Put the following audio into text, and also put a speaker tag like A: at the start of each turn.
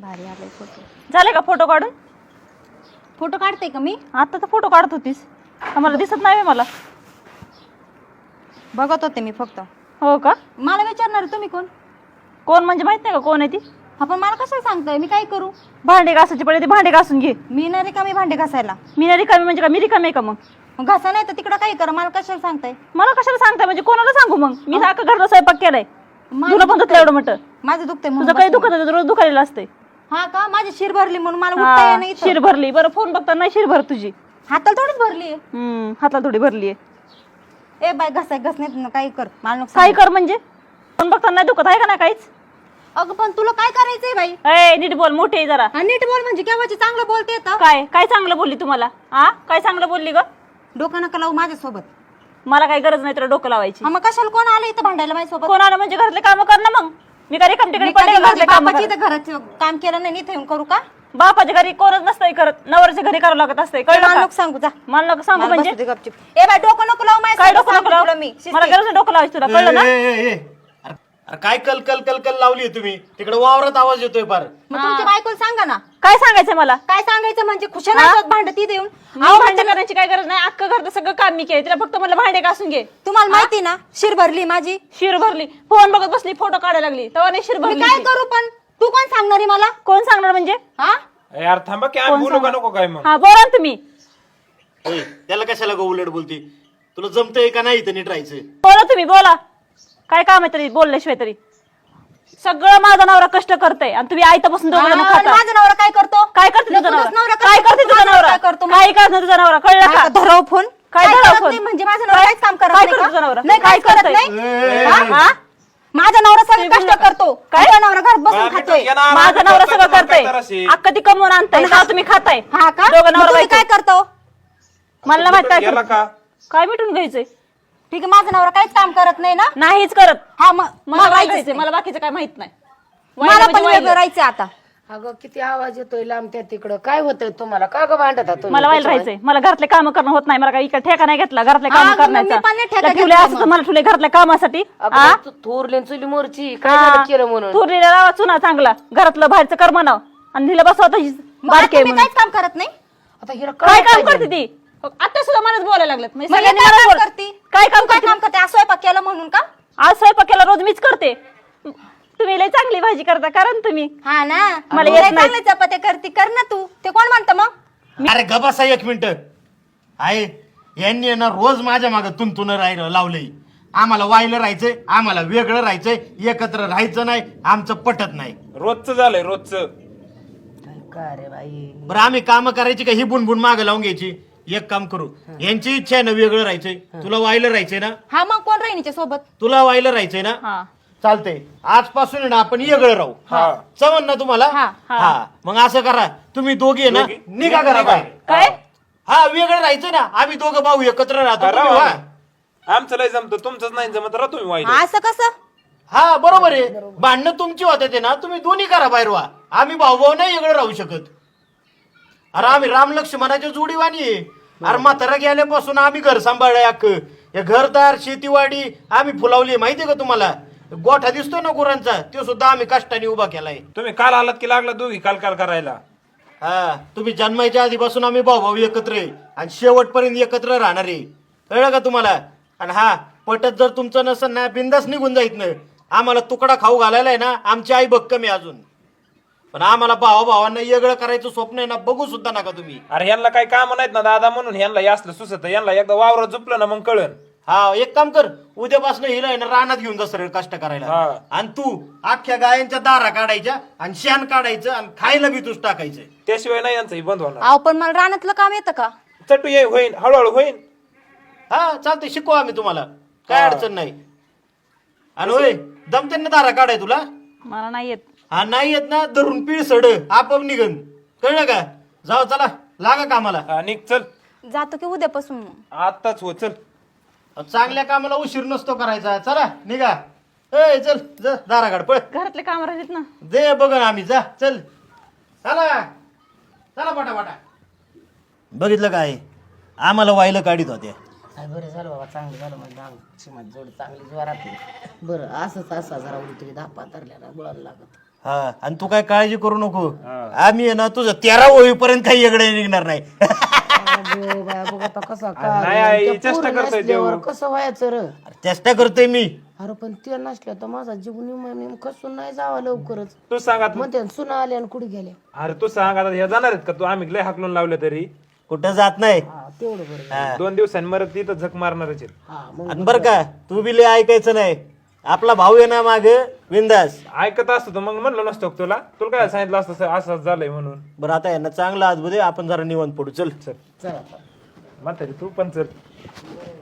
A: भारी आले फोटो.
B: झाले का फोटो काढून?
A: फोटो काढते का मी?
B: आता तर फोटो काढत होतीस, आम्हाला दिसत नाही मला.
A: बघत होते मी फक्त.
B: हो का?
A: मला विचारणार तुम्ही कोण?
B: कोण म्हणजे माहित नाही का कोण आहे ती?
A: आपण मला कशाला सांगताय? मी काय करू?
B: भांडे घासायची पडे, ते भांडे घासून घे.
A: मी नाही रिकामी भांडे घासायला.
B: मी नाही रिकामी म्हणजे का मी रिकामी आहे का मग?
A: घासा नाही तर तिकडं काही करा, मला कशाला सांगताय?
B: मला कशाला सांगताय म्हणजे कोणाला सांगू मग? मी सारखं घरचा स्वयंपाक केलाय,
A: माझं
B: तुला पण धुतलं एवढं मोठं.
A: माझं दुखतंय
B: तुझं
A: म्हणून
B: काही
A: बसले.
B: दुखत रोज दुखायला असते.
A: हा का? माझी शिर भरली म्हणून मला उठता येत नाही.
B: शिर भरली? बरं फोन बघता नाही शिर भर तुझी.
A: हाताला थोडीच भरली आहे.
B: हाताला थोडी भरली आहे.
A: ए बाय घसण्यात काही कर, मला नको
B: काय
A: सांगू.
B: कर म्हणजे? फोन बघता नाही दुखत आहे का नाही काहीच?
A: अगं पण तुला काय करायचंय बाई?
B: ए नीट बोल, मोठी आहे जरा.
A: हा, नीट बोल म्हणजे केव्हाची चांगलं बोलते येतं.
B: काय काय चांगलं बोलली तुम्हाला? काय चांगलं बोलली ग?
A: डोकं नका लावू माझ्यासोबत.
B: मला काही गरज नाही तुला डोकं लावायची.
A: हा, मग कशाला कोण आलं इथं भांडायला माझ्यासोबत?
B: कोण आलं म्हणजे घरातले काम कर ना मग. मी काय रिकाम तिकडे
A: मी
B: पडले
A: कधी
B: घरातले
A: माझ्या
B: काम
A: बापाची इथं घरात काम केलं नाही, इथे येऊन करू का?
B: बापाच्या घरी कोणच नसतंय करत, नवऱ्याच्या घरी करावं लागत असतंय. कळलं
A: मला
B: का?
A: नको सांगू, जा.
B: मला नको सांगू
A: मला
B: म्हणजे?
A: बसू दे गपचूप. ए बाय डोकं नको लावू
B: काय
A: माझ्यासोबत,
B: डोकं नको
A: सांगते तुला
B: लावू?
A: मी.
B: मला गरज नाही डोकं लावायची तुला, कळलं ना?
C: अरे काय कल कल कल कल लावली तुम्ही तिकडे? वावरात आवाज येतोय फार.
A: मग तुमच्या बायकोला सांगा ना.
B: काय सांगायचं मला?
A: काय सांगायचं म्हणजे खुशाला भांडत इथे येऊन.
B: मी भांडे करण्याची काय गरज नाही, अख्खं घरचं सगळं काम मी केलं, तिला फक्त मला भांडे घासून घे.
A: तुम्हाला माहिती ना शिर भरली माझी.
B: शिर भरली? फोन बघत बसली, फोटो काढायला लागली तेव्हा नाही शिर
A: मी
B: भरली?
A: काय करू पण? तू कोण सांगणार आहे मला?
B: कोण सांगणार म्हणजे?
A: हा,
D: यार थांबा की आम्ही बोलू का नको काय मग?
B: हा बोला ना तुम्ही.
C: ए, त्याला कशाला गो उलट बोलती? तुला जमतंय का नाही इथं नीट राहायचं?
B: बोला तुम्ही, बोला. काय काम आहे तरी बोलल्याशिवाय तरी? सगळं माझा नवरा कष्ट करते आणि तुम्ही आयतापासून दोघं जण
A: आणि
B: खाता.
A: माझा नवरा काय करतो?
B: काय करते तुझा
A: तुझाच
B: नवरा?
A: नवरा
B: काय करते तुझा नवरा?
A: काय करतो?
B: काय करते तुझा नवरा? कळलं का?
A: धराव फोन.
B: काय
A: काय
B: धराव
A: करत
B: फोन?
A: नाही म्हणजे माझा नवरा काहीच काम करत
B: काय
A: नाही
B: करतो
A: का?
B: तुझा नवरा?
A: नाही, काय
B: काय
A: करत
B: करतोय?
A: नाही.
B: हा?
A: माझा नवरा सगळं
B: तुम्ही
A: कष्ट करतो.
B: काय?
A: माझा नवरा घरात बसून
D: बाळा,
A: खातोय.
D: मी तर येणार.
B: माझा नवरा सगळं
D: काय
B: करतोय,
D: करायचे?
B: अख्खं ती कमवून आणताय का तुम्ही खाताय?
A: हा का?
B: दोघं
A: मग
B: नवरा
A: तुम्ही
B: बायको.
A: काय करतो?
B: मला नाही माहित काय
D: गेला
B: करतो.
D: का?
B: काय मिटून घ्यायचंय?
A: ठीक आहे, माझा नवरा काहीच काम करत नाही ना.
B: नाहीच करत.
A: हा, मग
B: मला
A: मला
B: वाईट
A: राहायचंय.
B: मला बाकीचं काय माहित नाही.
A: मला
B: वाईट
A: पण
B: म्हणजे वाईट.
A: वेगळं राहायचं आता.
E: अगं किती आवाज येतोय लांब त्या तिकडं. काय होतंय तुम्हाला? का ग भांडत आहात तुम्ही?
B: मला वाईल राहायचंय. मला घरातले काम करणं होत नाही. मला काही इकडे ठेका नाही घेतला घरातले
A: हा,
B: काम
A: मग मी
B: करण्याचा.
A: पण नाही ठेका
B: त्या ठेवले
A: घेतला
B: असं तर
A: मग.
B: मला ठेवले घरातल्या कामासाठी.
E: अगं तू थोरली न चुली मोरची काय झालं केलं म्हणून?
B: थोरलेला लावा चुना चांगला, घरातलं बाहेरचं कर म्हणाव आणि तिला बसवता
A: मग आता तुम्ही काहीच काम करत नाही.
E: आता हिला
B: काय
E: काय
B: काम करते ती? आता सुद्धा मलाच बोलायला लागलं. म्हणजे
A: मग हे
B: सगळ्यांनी
A: काय
B: मला
A: काम
B: बोल-
A: करते?
B: काय काम
A: तू काय
B: करते?
A: काम करते? आज स्वयंपाक केला म्हणून का?
B: आज स्वयंपाकाला रोज मीच करते. तुम्ही लय चांगली भाजी करता, कारण तुम्ही
A: हा ना,
B: मला
A: तू
B: येत
A: लय
B: नाही.
A: चांगली चपात्या करते, कर ना तू. ते कोण म्हणतं मग?
C: अरे गबासा एक मिनिट आहे. यांनी आहे ना रोज माझ्या मागे तुंतुन राहिलं लावलंय. आम्हाला वायलं राहायचंय, आम्हाला वेगळं राहायचंय, एकत्र राहायचं नाही, आमचं पटत नाही.
D: रोजचं झालंय रोजचं.
E: काय रे बाई?
C: बरं आम्ही काम करायची का ही बुनबुन मागे लावून घ्यायची? एक काम करू, यांची इच्छा आहे ना वेगळं राहायचंय, तुला वायलं राहायचंय ना,
A: हा, मग कोण राहील हिच्या सोबत?
C: तुला वायलं राहायचंय ना,
B: हा.
C: चालतंय. आजपासून आहे ना आपण वेगळं राहू. चवन ना तुम्हाला?
A: हा,
C: हा, मग असं करा, तुम्ही दोघी आहे ना निघा करा बाहेर.
B: काय?
C: हा, वेगळं राहायचं ना, आम्ही दोघं भाऊ एकत्र राहतो. तुम्ही
D: राहा.
C: व्हा.
D: आमचं लय जमतं, तुमचंच नाही जमत. राहा तुम्ही वाईट.
A: असं कसं?
C: हा बरोबर आहे. भांडणं तुमची होते ते ना, तुम्ही दोन्ही करा बाहेर व्हा. आम्ही भाऊ भाऊ नाही वेगळं राहू शकत. अरे आम्ही राम लक्ष्मणाच्या जोडीवाणी आहे. अरे म्हातारा गेल्यापासून आम्ही घर सांभाळलंय अख्खं. हे घरदार शेतीवाडी आम्ही फुलावली माहितीये का तुम्हाला? गोठा दिसतोय ना गुरांचा, तो सुद्धा आम्ही कष्टाने उभा केलाय.
D: तुम्ही काल आलात की लागला दोघी काल काल करायला.
C: हा, तुम्ही जन्माच्या आधीपासून आम्ही भाऊ भाऊ एकत्र आहे आणि शेवटपर्यंत एकत्र राहणार आहे. कळलं का तुम्हाला? आणि हा, पटत जर तुमचं नसेल ना, बिंदास निघून जायत ना. आम्हाला तुकडा खाऊ घालायला आहे ना, आमची आई भक्कम आहे अजून. पण आम्हाला भावांना वेगळं करायचं स्वप्न आहे ना, बघू सुद्धा नका तुम्ही.
D: अरे यांना काही काम नाहीत ना दादा, म्हणून यांना हे असलं सुसत. यांना एकदा वावरात झोपलं ना मग कळन.
C: हा, एक काम कर, उद्यापासून हिला आहे ना रानात घेऊन जा सरळ कष्ट करायला.
D: हा.
C: आणि तू अख्ख्या गायांच्या दारा काढायच्या आणि शेण काढायचं आणि खायला बी तूच टाकायचं.
D: त्याशिवाय नाही यांचं हे बंद होणार.
A: अहो पण मला रानातलं काम येतं का?
D: चटू ये होईन, हळूहळू होईन.
C: हा चालतंय, शिकू आम्ही तुम्हाला, काय
D: हा.
C: अडचण नाही. आणि होय, जमते ना दारा काढाय तुला?
B: मला नाही येत.
C: हा, नाही येत ना, धरून पीळ सड आपोआप निघन. कळलं का? जाऊ, चला लागा कामाला.
D: हा, निघ चल.
A: जातो की उद्यापासून मग?
D: आताच हो चल.
C: चांगल्या कामाला उशीर नसतो करायचा. चला निघा. ए चल, जा दारागाड पळ.
B: घरातले काम राहिलेत ना.
C: दे बघ ना आम्ही, जा चल. चला चला पटापटा. बघितलं काय, आम्हाला वायलं काढीत होत्या.
E: काय बरं झालं बाबा, चांगलं झालं म्हणजे माझी जोडी चांगली जोरात. बरं असंच असा जरा उलटी धापा धरल्याला बोलायला लागत.
C: हा आणि तू काय काळजी करू नको आम्ही आहे ना तुझं 13 होईपर्यंत काही वेगळे निघणार नाही
E: अगो बाया, बघ आता कसा
D: नाही, आई, चेष्टा करतोय देव.
E: कसं व्हायचं र
C: अरे चेष्टा करतोय मी
E: अरे पण ते नसल्या तर माझा जीव निम कसून नाही जावा लवकरच
D: तू सांग आता
E: म्हणते सुना आल्या आणि कुठे गेल्या
D: अरे तू सांग आता हे जाणार आहेत का तू आम्ही लय हाकलून लावले तरी
C: कुठं जात नाही
E: हा तेवढं बरं
C: हा.
D: 2 दिवसांनी मरत तिथं झक मारणारच आहेत.
E: हा मग
C: आणि बरं का तू बी लय ऐकायचं नाही आपला भाऊ आहे ना माग विंदास
D: ऐकत असतो तर मग म्हणलं नसतो का तुला तुला काय सांगितलं असतं असं झालंय म्हणून
C: बरं आता यांना चांगला आज दे आपण जरा निवांत पडू चल
E: चला
D: म्हातारी तू पण चल